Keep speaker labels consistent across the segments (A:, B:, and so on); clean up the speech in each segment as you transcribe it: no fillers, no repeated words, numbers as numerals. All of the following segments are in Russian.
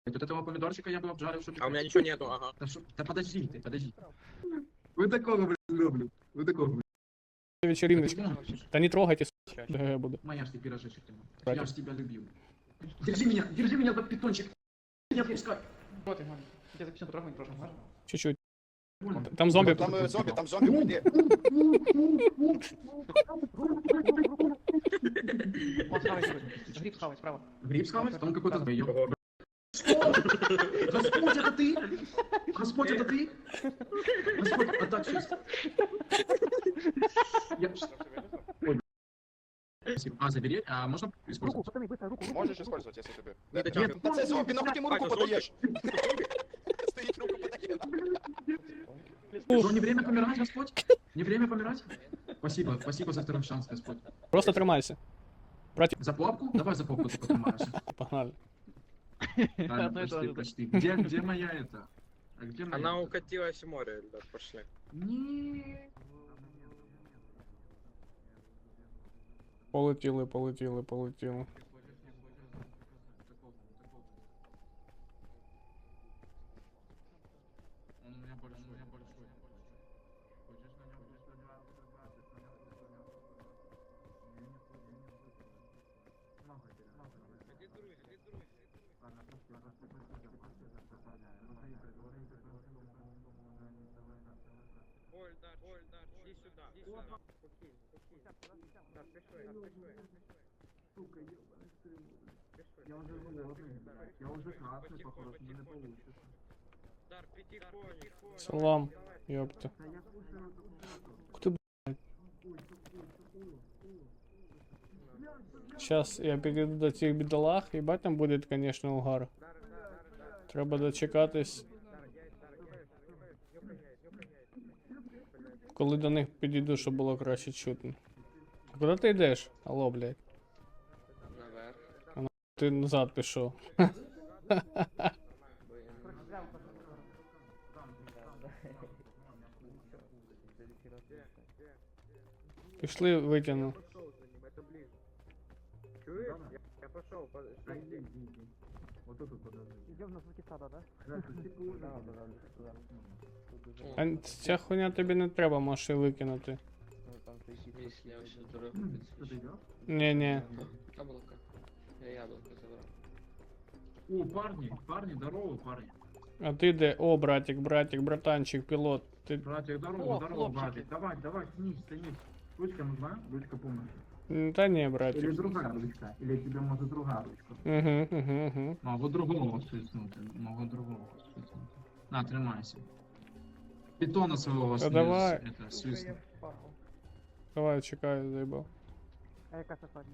A: Вот этого помидорчика я бы обжарил, чтобы...
B: А у меня ничего нету, ага.
A: Да подожди ты, подожди. Вы такого, блин, люблю. Вы такого, блин.
C: Вечериночка. Да не трогайте, ДГ буду.
A: Моя ж ты пирожечек. Я
C: Братик.
A: ж тебя любил. Держи меня, за питончик. Не отпускай.
D: Вот и ладно. Я запишу потрогать прошлым, можно?
C: Чуть-чуть.
A: Больно.
C: Там зомби.
B: Там зомби, уйди.
D: Вот, схавай себе. Гриб схавай справа.
A: Гриб схавать? Там какой-то змеёк. Господь, это ты? Господь, это ты? Господь, отдать честь. Ой, спасибо. А, забери? А можно
D: Руку,
A: использовать?
D: пацаны, быстро, руку.
B: Можешь использовать, если тебе.
A: Нет,
B: Да це зомби, нахуй ти йому руку подаєш? Стоїть, руку подає.
A: Что, не время помирать, Господь? Не время помирать? Спасибо, спасибо за второй шанс, Господь.
C: Просто тримайся.
A: За попку? Давай за попку ты потримаешь.
C: Погнали.
A: Правильно,
D: Одно и то
A: почти,
D: же.
A: почти. Где моя это? А где моя?
B: Она
A: это?
B: укатилась в море, ребят, пошли.
A: Не.
C: Полетіли, полетіли, полетіли.
A: Он у меня большой, я большой. Хочешь на нем
B: Ольдар, иди сюда. Так, пришли.
A: Сука, ебаный стрелок. Я уже голодный. Я уже красный, похож, мне не получится.
B: Дар, потихоньку.
C: Салам, ёпта.
A: Да я слушаю
C: Кто, блядь? Сейчас я підійду до цих бідолах, їбать там буде, конечно, угар. Треба дочекатись, коли до них підійду, щоб було краще чутно. А куди ти йдеш? Алло, блядь.
B: Наверх.
C: Ти назад пішов. Пішли, витягну.
B: Это ближе. Чуешь? Я пошел, подожди.
A: Вот тут подожди.
D: Идем на звуки сада, да?
C: А ця хуйня тобі не треба, можеш її викинути.
E: Если я вообще дурак,
A: Что ты идешь?
C: Ні-ні.
E: яблоко. Я яблоко забрал.
A: О, парни, здорово, парни.
C: А ти де? О, братик, братанчик, пілот. Ти...
A: Братик,
D: О,
A: здорово,
D: хлопчики.
A: братик. Давай, тянись. Ручка нужна? Ручка помощи.
C: Та ні,
A: Или
C: братик.
A: другая ручка? Или тебе может другая ручка?
C: Угу.
A: Могу другого свистнуть. На, тримайся. Питона своего
C: Да давай.
A: это, свистнуть.
C: Давай, чекаю, заїбав.
D: А яка це садні?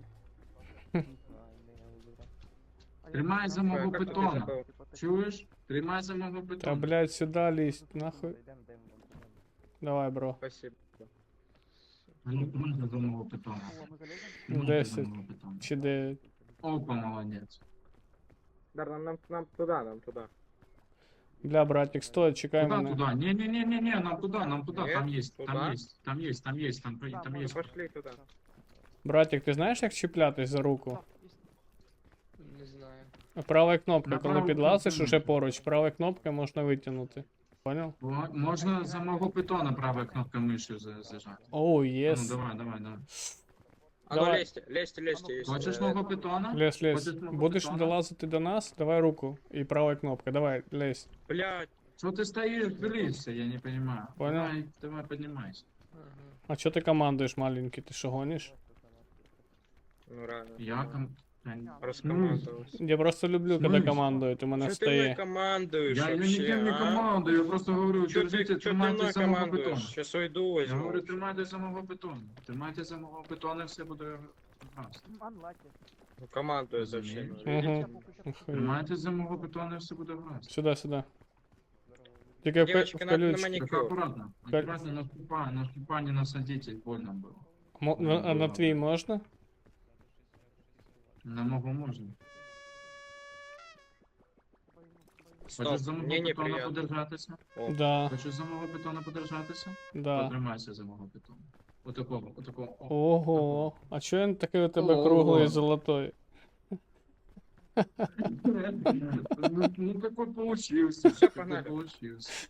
A: Тримай за мого
B: Как ты
A: питона.
B: забыл?
A: Чуешь? Тримай за мого
C: Та,
A: питона.
C: блядь, сюди лізь, нахуй. Давай, бро.
B: Спасибо.
A: Можна за мого питона.
D: О, ми заліземо?
A: Можна за
C: 10.
A: мого питона.
C: Чи 9.
A: Опа, молодец.
B: Дар, нам туда.
C: Бля, братик, стой, чекай
A: Куда
C: мене.
A: туда? Не, нам туда,
B: Нет,
A: там есть,
B: туда?
A: там есть, там
D: Да,
A: есть.
B: Пошли туда.
C: Братик, ти знаєш, як чіплятись за руку?
E: Не знаю.
C: Права кнопка,
A: На
C: коли
A: праву
C: підлазиш
A: кнопку.
C: уже поруч, права кнопка можна витягнути. Понял?
A: Можно за мого питона правой кнопкой мышью зажать.
C: Оу,
A: Ну,
C: єс.
A: давай.
B: А ну
C: Давай.
B: лезьте, если...
A: Хочешь мого питона?
C: Лезь.
A: Хочеш мого
C: Будеш
A: питона?
C: долазити до нас, давай руку. І права кнопка, давай, лезь.
B: Блядь,
A: Что ты стоишь, близься, я не понимаю.
C: Понял.
A: Давай, поднимайся.
E: Ага.
C: А чо ти командуєш, маленький, ти що гониш?
B: ну реально.
A: Я
B: Раскомандовался.
C: Я просто люблю, коли
A: Смисл?
C: командують, у мене
B: Что ты мной
C: встає.
B: командуешь
A: Я
B: вообще,
A: никем не
B: а?
A: командую, я просто говорю,
B: Что
A: держите,
B: ты
A: тримайте
B: мной
A: за мого
B: командуешь?
A: питона.
B: Сейчас уйду
A: Я
B: возьму.
A: говорю, тримайте за мого питона. Тримайте за мого питона, все буде гаразд.
D: Анлаки.
B: Ну, командую зачем?
C: Угу.
A: Тримайте за мого питона, все буде гаразд.
C: Сюди. Тільки
B: Девочки,
C: в
B: на
C: колючку.
B: маникюр.
A: Только аккуратно. Аккуратно на ступа не насадите, больно было.
C: А на твій можна?
A: На ногу можно.
B: Стоп,
A: Хочеш за мого
B: мне
A: питона
B: неприятно.
A: подержатися?
B: О,
C: Да,
A: Хочеш за мого питона подержатися?
C: да.
A: Потримайся за мого питона. Отакого. О.
C: Ого, а чо він такий у тебе
A: Ого.
C: круглий і золотой?
A: Ну такой получился.
E: Всё,
A: такой
E: погнали.
A: получился.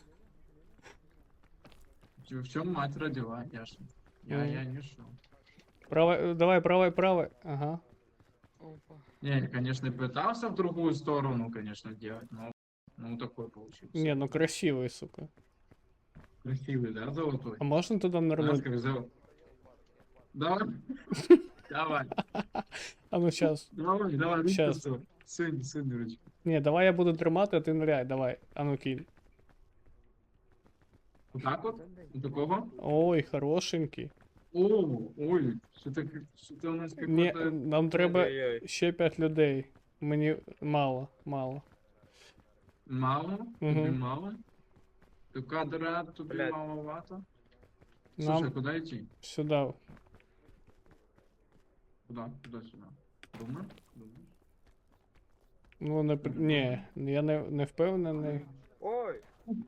A: В чем мать родила, ясно. Я не шел.
C: Правой, давай, правой. Ага.
E: Опа.
A: Не, я, конечно, пытался в другую сторону, конечно, делать, но ну такой получился.
C: Не, ну красивый, сука.
A: Красивый, да, золотой?
C: А можно туда нырнуть?
A: Ласковый Давай. Давай.
C: А ну сейчас.
A: Давай, ручку
C: Щас.
A: Сунь ручку.
C: Не, давай я буду тримати, а ти ныряй, давай. А ну кинь.
A: Вот так вот? Вот такого?
C: Ой, хорошенький.
A: О, ой, что-то у нас
C: Не,
A: какой-то...
C: нам треба
E: Ой-ой-ой.
C: ще 5 людей. Мені мало.
A: Мало?
C: Мгм.
A: Тобі мало? То кадра тобі
E: Блядь.
A: маловато? Слушай,
C: Нам
A: куда идти?
C: сюди.
A: Куда? Сюда. Думаешь?
C: Ну, ні, я не впевнений.
E: Ой,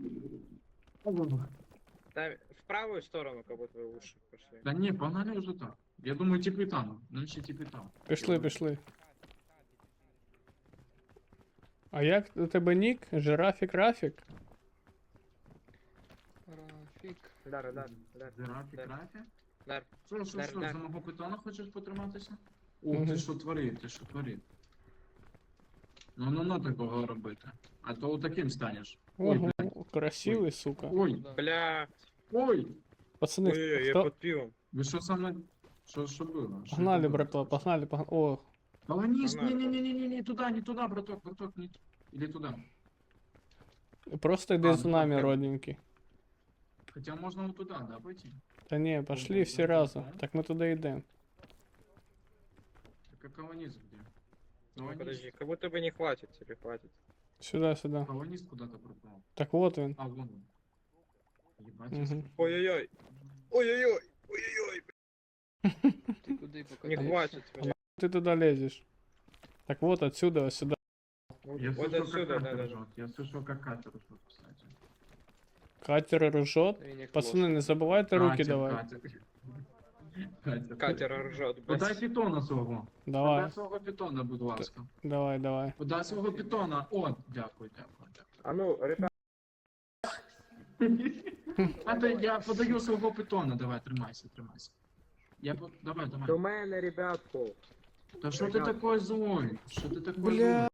E: там в правую сторону, как будто вы уши пошли.
A: Да не, погнали уже так. Я думаю, типи там. Нынче типи там.
C: Пішли. А як у тебе нік? Жирафік Рафік?
E: Рафик. Дар.
A: Рафі, Рафі?
E: Дар.
A: Що,
E: Дар.
A: за мого питона хочеш потриматися? О,
C: Мгм.
A: ти що творив? Ну, такого робити. А то таким станеш. Ой,
C: Ого,
A: блядь.
C: красивий, сука.
A: Ой,
E: Бля.
A: ой.
C: Пацани,
E: Ой-ой-ой, я
C: хто...
E: под пивом.
A: Ви що со мною? Що було? Що
C: Погнали,
A: це було?
C: братва, погнали. О,
A: Полонись,
E: Погнали.
A: не, туда, браток, не. Или туда.
C: просто йди
A: А,
C: з
A: ну,
C: нами,
A: так.
C: родненький.
A: Хотя можно вот туда, да, пойти?
C: Та ні, пошли всі разом. Так ми туди йдемо.
A: Так а колонист где?
E: Ну, подожди, как будто бы не хватит тебе, хватит.
C: Сюди.
A: Колонист куда-то пропал.
C: Так от він.
A: А, вон он. Ебать.
C: Мгм.
E: Ой-ой-ой. Ой-ой-ой. Ой-ой-ой.
F: Ты куда пока?
E: Не хватит меня.
C: Ти туди лезеш. Так от отсюда, ось сюди.
A: Я
E: Вот
A: слышал,
E: отсюда,
A: как
E: да,
A: катер
E: да.
A: ржет. Я слышал, как катер ржет, кстати.
C: Катер ржет. Пацани, не забувайте руки
A: Катер,
C: давай.
A: Катер.
E: Катер ржет,
A: Подай
E: блядь.
A: питона свого.
C: Давай,
A: Подай свого питона, будь ласка.
C: давай.
A: Подай свого питона. О, дякую.
E: А ну, ребят,
A: А то я подаю свого питона, давай, тримайся. Давай.
E: до мене, ребятку.
A: Да что ты такой злой? Что ты такой
C: Бля.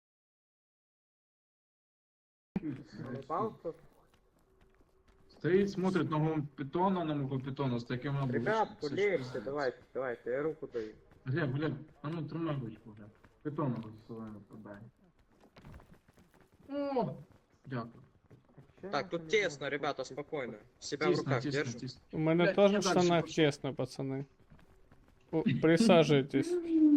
E: Заебался?
A: Стоит, смотрит на моего питона с таким облачком.
E: Ребятку, лезьте, давайте, я руку даю.
A: Глеб, а ну тримай ручку, Глеб. Питона своєму подай. О! Дякую.
E: Так, тут тесно, ребята, спокойно. Себя в руках держим.
A: тісно.
C: У мене
A: Блядь,
C: теж
A: я
C: в
A: дальше
C: штанах
A: пошел.
C: чесно, пацани. О, присаджуйтесь.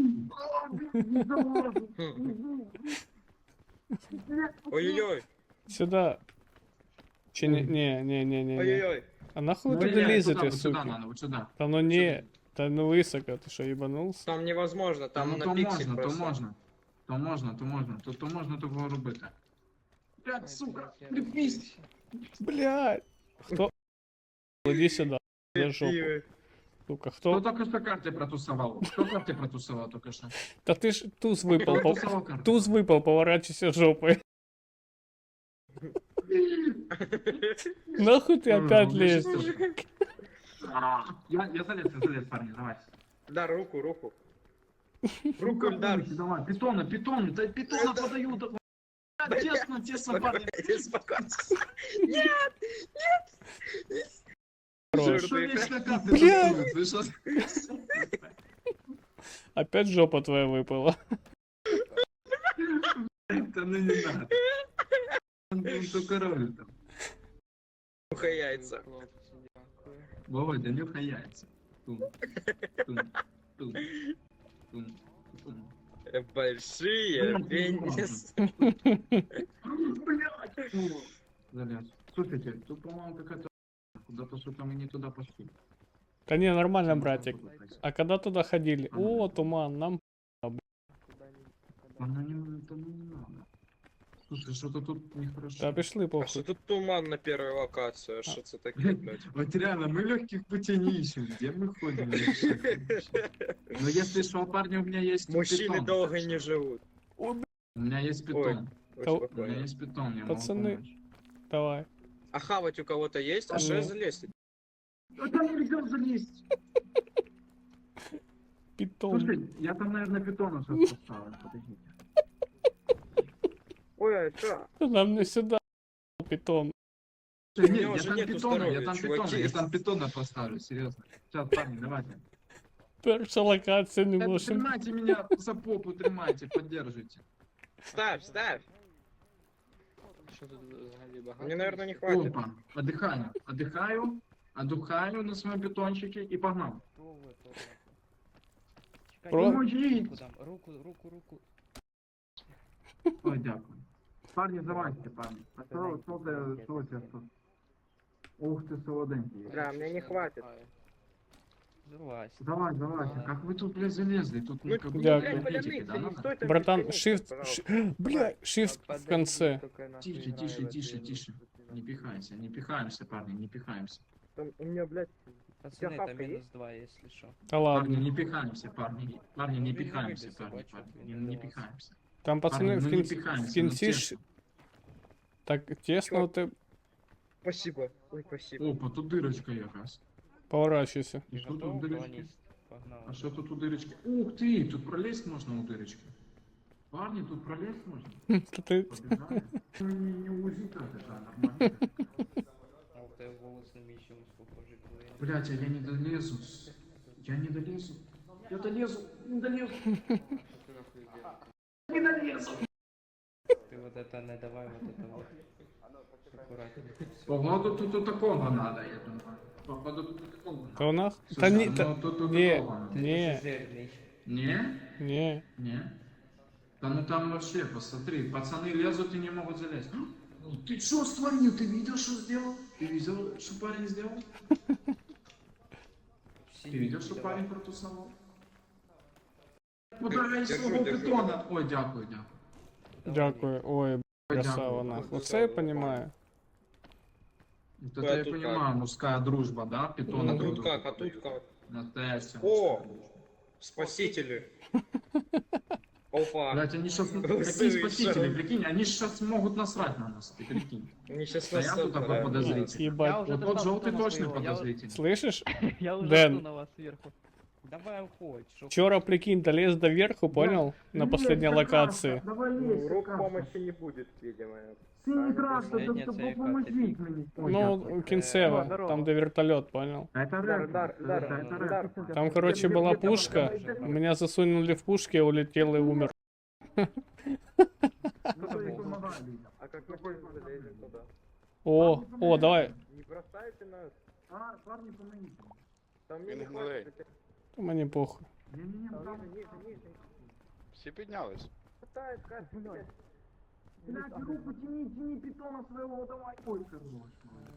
E: Ой-ой-ой,
C: Сюди. Чи ні.
E: ой-ой-ой.
C: А нахуй
A: Ну,
C: ви туди
A: не,
C: лізете,
A: вот сюда
C: суки?
A: надо, вот сюда.
C: Та ну ні. Та ну високо, ти що, їбанувся?
E: Там невозможно, там
A: Ну,
E: на
A: то
E: пиксель
A: можна,
E: просто.
A: то можна. То можна того робити. Блядь, сука, припись.
C: Блядь. Хто? Іди сюди. За жопу. Сука,
A: Кто
C: хто?
A: только что карты протусовал? Кто карты протусовал только что?
C: Та ти ж туз випав,
A: Протусовал карты.
C: туз випав, поворачивайся жопою. Нахуй ти опять лезешь?
A: Я залез, парни, давай.
E: Дар, руку. Руку, Ильдар.
A: Давай, питона, да питона подаю. Да, тесно, парни.
E: Спокойно.
C: Хорош.
A: Что вечно карты
C: Блядь.
A: тусуют? Вы что?
C: Опять жопа твоя випала.
A: Да ну не надо. Он только роль там.
E: Ухо яйца.
A: Вова, да нюхай яйца. Тум.
E: Большие пенис.
A: Блядь. Залез. Слушайте, тут, по-моему, какая-то... Куда-то что-то мы не туда пошли.
C: Та ні, нормально, братик. А когда туда ходили? О, туман, нам
A: Оно не, это не надо. Слушай, что-то тут нехорошо.
C: та пішли
E: А что
C: похуй.
E: тут туман на первой локации? А что это такое, блядь?
A: Вот реально, мы легких путей не ищем. Где мы ходим? Я вообще не ищу. Но если что, парни, у меня есть
E: Мужчины
A: питон,
E: долго
A: так что-
E: не живут.
A: У меня есть питон.
E: Ой,
C: То-
A: У меня
E: спокойно.
A: есть питон, я могу
C: Пацаны.
A: помочь.
C: Давай.
E: А хавать у кого-то есть? А что
C: Не.
E: залезть?
A: А там нельзя залезть.
C: Питон.
A: Слушай, я там, наверное, питона сейчас поставлю. Подождите.
E: Ой, а что?
C: Нам не сюда питон.
A: Слушай,
E: меня
A: нет, я
E: уже
A: там
E: нету
A: питона, я
E: здоровья,
A: там
E: чуваки.
A: питона, я там питона поставлю, серьезно. Сейчас, парни, давайте.
C: Перша локація не
A: Да,
C: можемо.
A: Тримайте меня за попу, тримайте, поддержите.
E: Ставь, ставь.
F: Що тут взагалі багато?
E: Мне, наверное, не хватит.
A: Опа, отдыхаю, отдыхаю на своем питончике и погнал.
C: Про-
A: Поможіть!
F: Руку.
A: Ой, дякую. Парні, залазьте, парні. А що у тебе тут? Ух ты, солоденький.
E: Да, мне не хватит.
F: Залазь.
A: Залазь, как вы тут, блядь, залезли? Тут
E: Ну,
A: как бы
C: Дякую.
A: энергетики, да, надо?
C: Братан, shift, бля, shift в конце.
A: Тише. Не пихайся, не пихаемся, парни, не пихаемся.
E: У меня, блядь,
F: Пацани,
E: хавка
F: там
E: є?
F: -2, якщо що.
C: Та
A: Парни,
C: ладно.
A: не пихаемся, парни. Парни, не
F: Він не
A: пихаемся,
F: вибився,
A: парни,
F: бачу,
A: парни.
F: він
A: Не
F: до вас.
A: пихаемся.
C: Там пацани
A: Парни,
C: в
A: ну не
C: кінці,
A: пихаемся,
C: в кінці
A: ну
C: ж
A: тесно.
C: так тесно, ти
E: спасибо. Ой, спасибо.
A: Опа, тут дырочка якась.
C: поворачуйся.
A: И что тут
F: Готов?
A: дырочки?
F: Колоніст. Погнали.
A: А что тут у дырочки? Ух ты, тут пролезть можно у дырочки. Парни, тут пролезть можно?
C: Та ти
A: Побежали. Не узит это, да, нормально.
F: А у тебе голос не мій чимось похожий, коли я...
A: Блять, а я не долезу. Я не долезу. Я долезу, не долезу. Не долезу.
F: Ти вот это не давай, вот это вот. Аккуратнее.
A: Походу тут такого надо, я думаю. Походу тут такого надо.
C: то нах? Та
A: Слушай,
C: ні,
A: ну
C: та
A: тут
C: ні,
A: такого надо.
C: ні,
F: Жирний.
A: Не?
C: ні.
A: Не? Да ну там вообще, посмотри, пацаны лезут и не могут залезть. Ну ты что створил? Ты видел, что сделал? Ты видел, что парень сделал?
F: Всі
A: Ты видел, что
F: давай.
A: парень протусовал? Ударай
E: Держу,
A: свого
E: держу.
A: питона! Ой, дякую, дякую.
C: Дякую. Ой,
A: Ой,
C: красава
A: дякую.
C: нахуй. Оце я понімаю.
A: Вот это я
E: тут
A: понимаю, мужская дружба, да? Питона
E: А
C: Ну,
E: тут
A: друг
E: как, а
A: другу
E: тут
A: подают.
E: как?
A: Настоящая
E: О!
A: мужская дружба.
E: Спасители. Опа.
A: Блять, они сейчас... Какие
E: Совершенно.
A: спасители, прикинь? Они сейчас могут насрать на нас, ты прикинь.
E: Они сейчас
A: Стоят тут такой подозрительный.
C: Ебать.
A: Вот тот желтый точно подозрительный.
C: Слышиш?
D: Я уже
C: Дэн.
D: жду на вас сверху.
F: Давай уходь. Що
C: Вчора, прикинь, долез до верху, понял? На последней локации.
A: Давай
E: Ну,
A: лезь,
E: рук
A: Саша.
E: помощи не будет, видимо.
A: Синий красный,
F: Последняя
A: да
F: цель,
A: помогите мне. Ой,
C: Ну,
A: дякую.
C: кінцево,
D: здорово.
C: там де вертольот, понял?
A: Это
E: Дар,
A: рэп.
E: дар, дар,
A: Это
E: дар.
A: рэп.
C: Там, короче, была пушка, меня засунули в пушки, я улетел и умер.
A: Ну, то есть помогай людям.
E: А как мы залезем туда?
C: О, давай.
E: Не бросайте нас.
A: А, парни, помогите.
E: Там мне
B: Він
E: не
B: гнилий.
E: хватит.
C: Мені похуй.
A: Не-не-не,
E: Там
A: там...
E: ниже.
B: Всі піднялись.
E: Хватает, Катя, блядь.
A: Блядь, руку тяни питона своего, давай. Ой, хорош.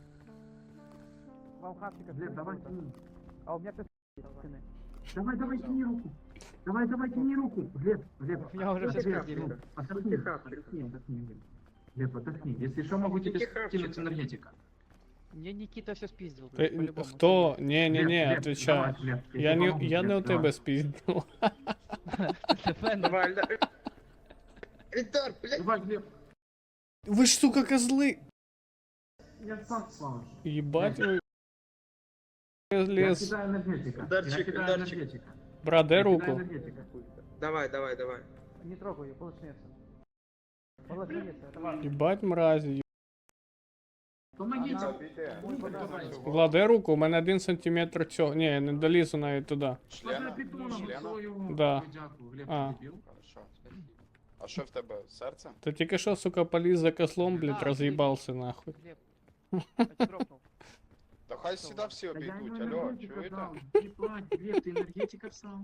D: Вам хавчика
A: Глеб, давай тяни.
D: А у меня кто стены.
A: Давай, тяни руку. Давай, тяни руку. Глеб.
D: У меня уже все
E: Тихо,
D: спиздили.
A: Отдохни, отдохни. Глеб, отдохни. Если что, могу тебе
E: Тихо,
A: кинуть
E: тихо.
A: энергетика.
D: Мне Никита все спиздил.
C: Ти-
D: по-любому.
C: Хто? Не,
A: Глеб,
C: отвечай.
A: давай, Глеб,
C: Я
A: тебе
C: не,
A: помогу,
C: я не у
A: Глеб,
C: тебе
A: давай.
C: спіздив.
E: Давай, Эльдар. Эльдар, блядь.
A: Давай, Глеб.
C: Ви ж, сука, козли!
A: Я сам славлю.
C: Єбать ви.
A: Я
C: Лес.
A: кидаю энергетика.
E: Ударчик,
A: Я кидаю
E: ударчик.
A: энергетика.
C: Брат, дай
A: Я кидаю
C: руку.
A: энергетика.
E: Давай.
D: Не трогай ее, будут смеяться. Будут смеяться, это важно.
C: Єбать мразі.
A: Помогите.
E: Давай.
C: Влад, дай руку, у мене 1 сантиметр цього. Ні, я не долізу навіть туди.
B: Члена?
A: Питоном
B: Члена?
A: свого.
C: Да.
A: Ой, дякую. Глеб,
C: А.
A: ти дебіл?
B: Хорошо. А що в тебе? Серце?
C: Ти тільки що, сука, поліз за козлом, блядь, роз'їбався нахуй.
D: Глеб, я тебя дропнул.
B: Та хай сюди всі
A: Та я
B: обійдуть,
A: йому
B: алло,
A: енергетика
B: чуєте?
A: дав. Не плач, Глеб, ти енергетика всав.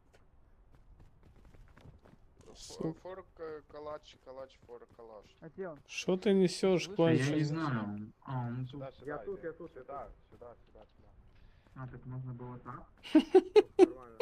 B: Фор калач, фор калаш.
D: А где он?
C: Що ти несеш,
A: Я не
C: конче?
A: знаю. А, он тут.
B: Сюди,
E: Я тут.
B: сюди.
A: А, так можна було так?
E: Нормально.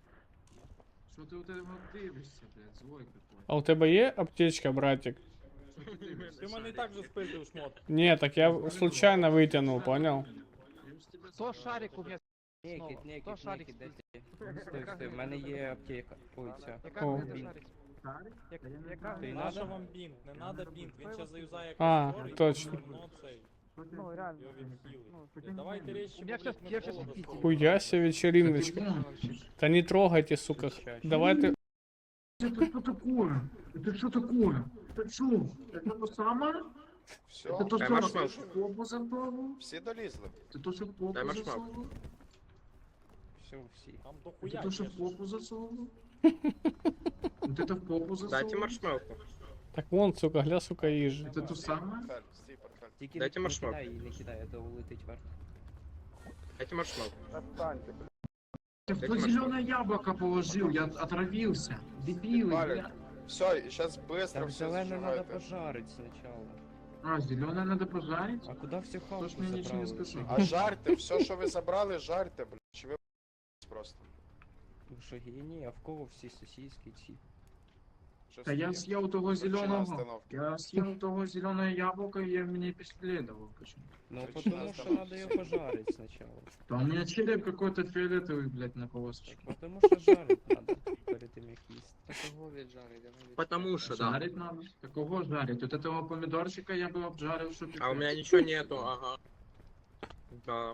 A: Що ти у тебе дивишся, блядь, злой какой.
C: А у тебе є аптечка, братик?
G: Ти мене і так же спиздив шмот.
C: Не, так я случайно вытянул, понял?
D: Кто шарик у меня снова?
F: Некіт,
D: Кто шарик
F: некіт,
D: спиздил?
F: Стой, стой, в мене є аптека. Ой, ця.
D: Яка
C: О.
D: у мене шарик? Яка?
F: Ти
G: Наша
F: надо?
G: вам бінт, не надо бінт, він зараз заюзає як
C: А,
G: костер, і
C: точно.
G: потім воно цей,
D: Ну реально.
G: його відхилить.
D: Ну,
G: Давайте речі,
D: У меня
G: блядь,
D: сейчас,
G: ми
D: я
G: з
D: сейчас
G: голоду
D: пить.
G: спали.
C: Хуя себе вечериночка. Да не трогайте, сука. Давайте.
A: Это что такое? Это что такое? Это что? Это то самое?
B: Все,
A: Это то,
E: Дай
A: что
E: маршмеллоу.
A: в попу засовывал?
B: всі долізли.
A: Это то, что в попу
E: Дай маршмеллоу.
A: засовывал?
F: Все, всі.
G: Там
A: Это
G: дохуя
A: то, что в
G: є.
A: попу засовывал? Вот это в попу
E: Дайте
A: засовывал?
E: маршмелку.
C: Так вон, сука, гля, сука, їжі.
A: Это то самое?
B: Портфель, стій, портфель.
F: Тільки
E: Дайте
F: не
E: маршмеллоу.
F: кидай її, не кидай, а то улетить вверх.
E: Дайте маршмелку.
A: Ты кто зеленое яблоко положил? Я отравился. Дебилы,
B: Валик.
A: бля.
B: Все, і зараз швидко
F: Так
B: все
F: зелене треба
B: зажигайте.
F: пожарить спочатку.
A: А, зеленое надо пожарить?
F: А куди всю хавку
A: Тож мені нічого не
F: забрали?
A: сказав.
B: А жарте, все, що ви забрали, жарте, блядь. Чи ви просто?
F: Ви що, генії? А в кого всі сосиски ці?
B: Що
A: Да я
B: стоїть?
A: съел того
B: Причина
A: зеленого.
B: остановки.
A: Я съел того зеленое яблоко, и я меня преследовал. Почему?
F: Ну,
B: Причина
F: потому що
B: остановки.
F: треба його пожарить спочатку.
A: Да у меня череп какой-то фиолетовый, блядь, на полосочке.
F: Так, потому що жарить треба перед тим як їсти.
E: Потому что, да.
A: Жарить надо. Какого жарить? Вот этого помидорчика я бы обжарил, чтобы...
E: А у меня ничего нету, ага. Да.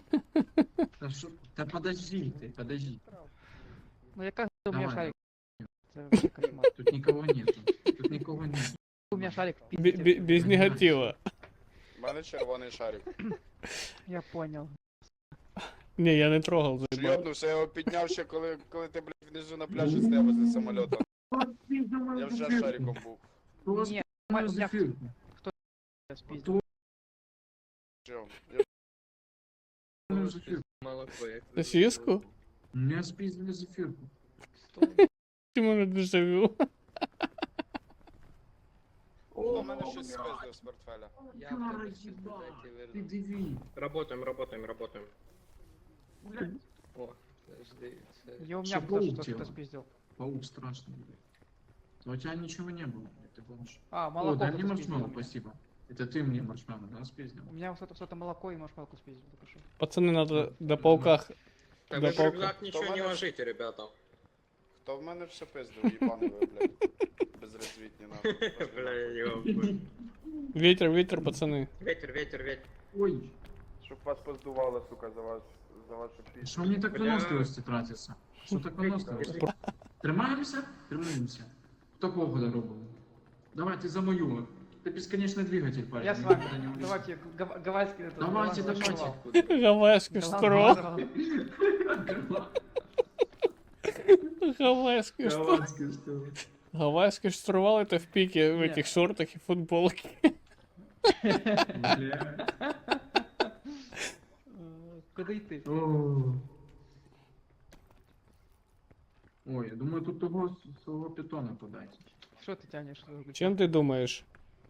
A: Да подожди ты, подожди.
D: Ну яка у меня
A: Давай.
D: шарик? Это вообще кошмар.
A: Тут никого нету. Тут никого нет.
D: У меня шарик в
C: Бе-
D: пизде.
C: бе- Без негатива.
B: У мене червоний шарик.
D: Я понял.
C: Не, я не трогал, заебал.
B: Шльотнувся, я його підняв ще, коли ти, блядь, внизу на пляжі стояв возле самоліта. Я вже шариком був.
D: Не, у меня
A: Зафирку.
D: спиздил.
B: Чого? Я
E: Молоко. я как
C: Сосиску?
A: У меня спиздили зефирку.
C: Чему на дежавю?
B: У мене щось спиздив з портфеля.
A: Кара, ебать. Ты диви.
E: Работаем, работаем, работаем.
A: Блядь,
E: О, подожди.
D: Я у меня
A: Всё
D: кто-то
A: полетело.
D: что-то спиздил.
A: паук страшный, блядь. А у тебя ничего не было, блядь, ты помнишь?
D: А,
A: О,
D: молоко
A: дай мне
D: кто-то спиздил.
A: маршмеллоу, спасибо. Это ты мне маршмеллоу, да, спиздил?
D: У меня что-то молоко и маршмелку спиздил. только что.
C: Пацаны, надо до пауках.
E: Так
C: Да
E: вы в
C: палка.
E: рюкзак ничего не
B: Товарищ.
E: ложите, ребята.
B: Хто в мене все пиздив, їбаний ви, блядь. Безрозвітні нахуй.
E: Бля, ёб.
C: Ветер, ветер, пацаны.
E: Ветер, ветер, ветер.
A: Ой,
B: Щоб вас поздувало, сука, за вашу пісню.
A: что мне так
E: Бля.
A: выносливости тратится? Что так выносливости? Тримаемся? Тримаемся. Кто кого робил? Давай, ты за мою. Ты бесконечный двигатель, парень.
D: Я с
A: никуда
D: вами.
A: не улезешь.
D: Давайте гавайский этот.
A: Давайте,
D: голландский
A: давайте.
D: шоколад.
C: Гавайский
D: Голландский
C: штурвал.
D: шоколад.
C: Гавайский штурвал.
A: Голландский что?
C: Гавайский штурвал это в пике в
D: Не.
C: этих шортах и футболке.
A: Бля.
D: Куда и ты?
A: О. Ой, я думаю, тут того своего питона подать.
D: Что ты тянешь?
C: Чем ты думаешь?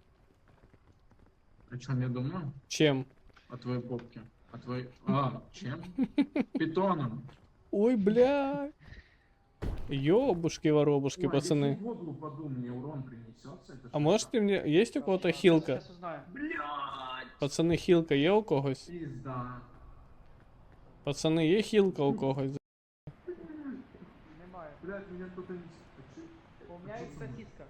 A: О чем я думаю?
C: Чем?
A: О твоей попке. О твоей... А, чем? Питоном.
C: Ой, бля. Ёбушки-воробушки,
A: Ой,
C: пацаны.
A: если в воду упаду, мне урон принесется. это
C: А
A: что?
C: может ты мне... Есть у кого-то хилка?
D: Сейчас узнаю.
A: Блядь,
C: Пацаны, хилка є у когось?
A: пизда.
C: Пацаны, є хилка у когось?
D: Немає.
A: Блядь, меня кто-то не...
D: У меня есть сосиска.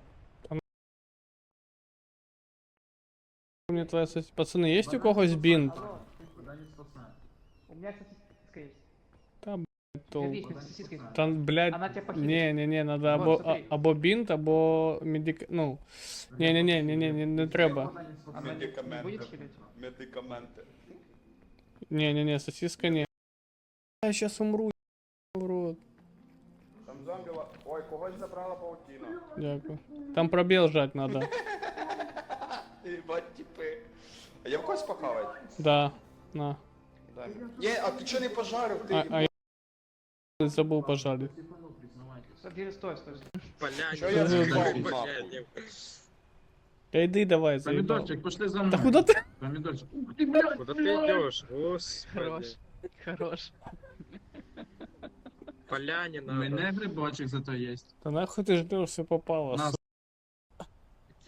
C: Мне твоя Пацаны, есть у когось бинт?
D: Алло,
A: Куда не спасает.
D: у меня сосиска есть.
C: Толку.
D: Отлично, сосиска есть.
C: Там, блядь,
D: Она тебя похитит.
C: не, надо
D: Вот,
C: або,
D: смотри.
C: або бинт, або медик... Ну, не треба.
A: Куда не спасает.
D: Она не
B: Медикаменты.
D: будет хилить?
B: Медикаменти.
C: Не, сосиска не. Я сейчас умру, в рот.
B: Там зомбі Ой, когось забрала паутіна.
C: Дякую. Там пробел жать надо.
B: Ебать, типи. А я в когось похавать?
C: Да, на.
B: Дай. Ні, а ти чого не пожарив? Ти
C: А я забыл пожарить.
A: Типанул, признавайтесь.
D: Стой.
E: Бля,
B: Чё
E: не
B: я
E: знаю,
A: заебал,
E: бля,
B: нахуй?
E: не-
C: Да иди давай, заебал.
A: Помидорчик, пошли за мной.
C: Да куда ты?
A: Помидорчик. Ух ты, блядь,
E: Куда ты
A: блядь.
E: идешь? Господи.
D: Хорош. Хорош.
E: Поляне
A: У
E: надо.
A: меня грибочек зато есть.
C: Да нахуй ты ждешь, все попало.
A: На,
C: сука.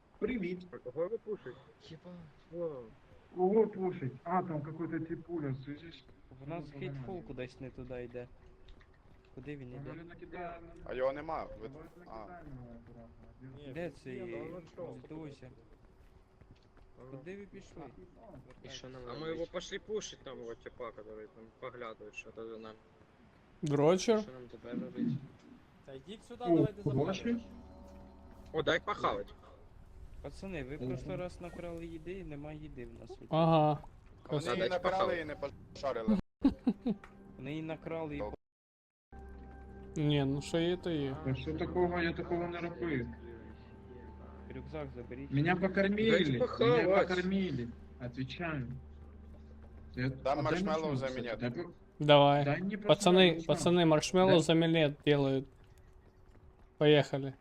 A: Привіт.
E: Кого пушить? Єба.
A: Кого пушить? А, там какой-то типуля, слышишь?
F: В нас хейтфул кудись не туди йде. Куди він іде?
B: А його нема.
F: Де це є? Здуйся. Куди ви пішли?
E: І що нам? А ми його пошли пушить там, вот типа, который там поглядує, що то за нами.
C: Дрочер.
E: Що нам тепер робити?
G: Та йдіть сюди,
A: О,
G: давайте
A: побачиш?
G: запалимо.
E: О, дай похавать.
F: Пацани, ви просто раз накрали їди і нема їди в нас.
C: Ага.
B: А вони її набирали і не пошарили.
F: Вони її накрали і
C: Ні, ну що є, то є.
A: Да что такого, я такого не робив.
F: рюкзак заберіть.
A: Меня покормили,
E: Дайте
A: меня
E: похавать.
A: покормили. Отвечаю.
B: Дам маршмеллоу за меня.
C: Давай.
A: Дай мне просто
C: Пацаны,
A: маршмеллоу.
C: пацаны, маршмеллоу
A: Да.
C: за минет делают. Поехали.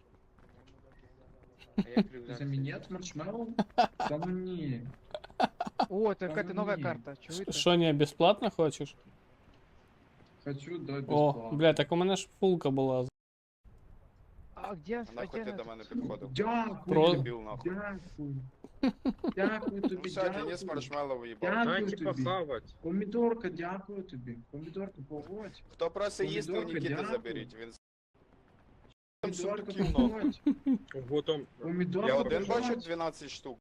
E: А як рюкзак?
A: За минет маршмеллоу? Да ну не.
D: О, это какая-то новая
A: не.
D: карта. Чего это?
C: Что, не бесплатно хочешь?
A: Хочу, да,
C: О,
A: бесплатно.
C: бля, так у мене ж фулка була.
D: А где?
B: А нахуй ти до мене підходив?
A: Дякую,
C: Про-
B: Дебіл нахуй.
A: дякую. Дякую
B: Ну
A: тобі,
B: все, Денис
A: дякую.
B: маршмеллоу їбав.
A: Дякую
E: Дайте
A: тобі.
E: похавать.
A: Помідорка, дякую тобі. Помідорку погодь.
B: Хто просить їсти, у
A: Помідорка,
B: Нікіти
A: дякую.
B: заберіть. Він там
A: Помідорка,
B: сундуків нахуй.
A: погодь.
E: Вот он.
A: Помідорка,
B: Я один
A: погодь.
B: бачу 12 штук.